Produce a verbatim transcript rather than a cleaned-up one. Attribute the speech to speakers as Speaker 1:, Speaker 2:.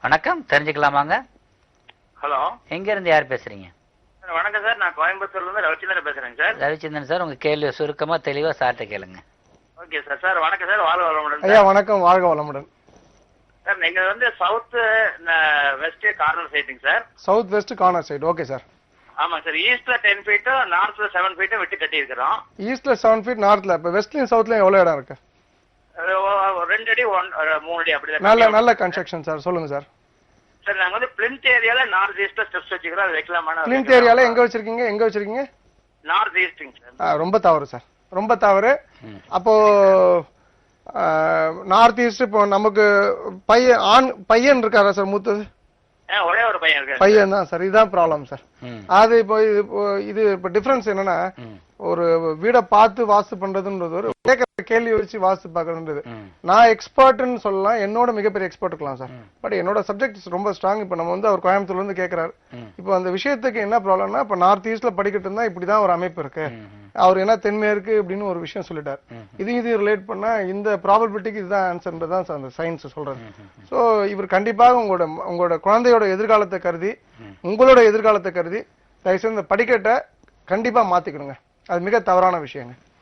Speaker 1: வணக்கம், தெரிஞ்சுக்கலாமாங்க?
Speaker 2: ஹலோ,
Speaker 1: எங்க இருந்து யார் பேசுறீங்க?
Speaker 2: வணக்கம் சார், நான் கோயம்புத்தூர்ல இருந்து ரவிச்சந்திரன் பேசுறேன் சார்.
Speaker 1: ரவிச்சந்திரன் சார், உங்க கேள்வி சுருக்கமா தெளிவா சார்ட்ட கேளுங்க.
Speaker 2: Okay sir. சார் வணக்கம் சார், வாழ்க வளமுடன்.
Speaker 3: ஐயா வணக்கம், வாழ்க வளமுடன்.
Speaker 2: சார் நீங்க வந்து சவுத் வெஸ்ட் கார்னர் சைட்டுங்க sir.
Speaker 3: South west corner side. Okay sir.
Speaker 2: ஆமாங்க சார். ஈஸ்ட்ல டென் ஃபீட்டும் நார்த்ல செவன் ஃபீட்டும் விட்டு கட்டி இருக்கிறோம்.
Speaker 3: ஈஸ்ட்ல செவன் ஃபீட், நார்த்ல. இப்ப வெஸ்ட்லயும் சவுத்லயும் எவ்வளவு இடம் இருக்கு?
Speaker 2: ரெண்டு அடி ஒன் மூணு அடி அப்படிதான்.
Speaker 3: நல்ல நல்ல கன்ஸ்ட்ரக்ஷன் சார், சொல்லுங்க சார்.
Speaker 2: சார் நாங்க வந்து பிளின்த் ஏரியால நார்த் ஈஸ்ட்ல ஸ்டெப்ஸ் வச்சுக்கிறோம். அது வைக்கலாமா?
Speaker 3: பிளின்த் ஏரியால எங்க வச்சிருக்கீங்க? எங்க வச்சிருக்கீங்க?
Speaker 2: நார்த் ஈஸ்ட்ங்க
Speaker 3: சார். ரொம்ப தவறு சார், ரொம்ப தவறு. அப்போ நார்த் ஈஸ்ட் இப்போ நமக்கு பையன் ஆண் பையன் இருக்காரா சார்? மூத்தது
Speaker 2: ஒரே ஒரு பையன் இருக்கு.
Speaker 3: பையன் தான் சார். இதுதான் ப்ராப்ளம் சார். அது இப்போ இது இப்போ டிஃபரன்ஸ் என்னன்னா, ஒரு வீடை பார்த்து வாஸ்து பண்றதுன்றது ஒரு கேட்கற கேள்வி வச்சு வாஸ்து பாக்குறதுன்றது. நான் எக்ஸ்பர்ட்னு சொல்லலாம், என்னோட மிகப்பெரிய எக்ஸ்பர்ட் இருக்கலாம் சார். பட் என்னோட சப்ஜெக்ட் ரொம்ப ஸ்ட்ராங். இப்ப நம்ம வந்து அவர் கோயம்புத்தூர்ல இருந்து கேட்கிறாரு. இப்போ அந்த விஷயத்துக்கு என்ன ப்ராப்ளம்னா, இப்ப நார்த் ஈஸ்ட்ல படிக்கிட்டு இருந்தா இப்படிதான் ஒரு அமைப்பு இருக்கு. அவர் என்ன தென்மேற்கு அப்படின்னு ஒரு விஷயம் சொல்லிட்டார். இது இது ரிலேட் பண்ணா இந்த ப்ராபபிலிட்டிக்கு இதுதான் ஆன்சர்ன்றதான் அந்த சயின்ஸ் சொல்றது. சோ இவர் கண்டிப்பாக உங்களோட உங்களோட குழந்தையோட எதிர்காலத்தை கருதி, உங்களோட எதிர்காலத்தை கருதி தயவுசெய்து இந்த படிக்கட்டை கண்டிப்பா மாத்திக்கணுங்க. அது மிக தவறான விஷயங்க.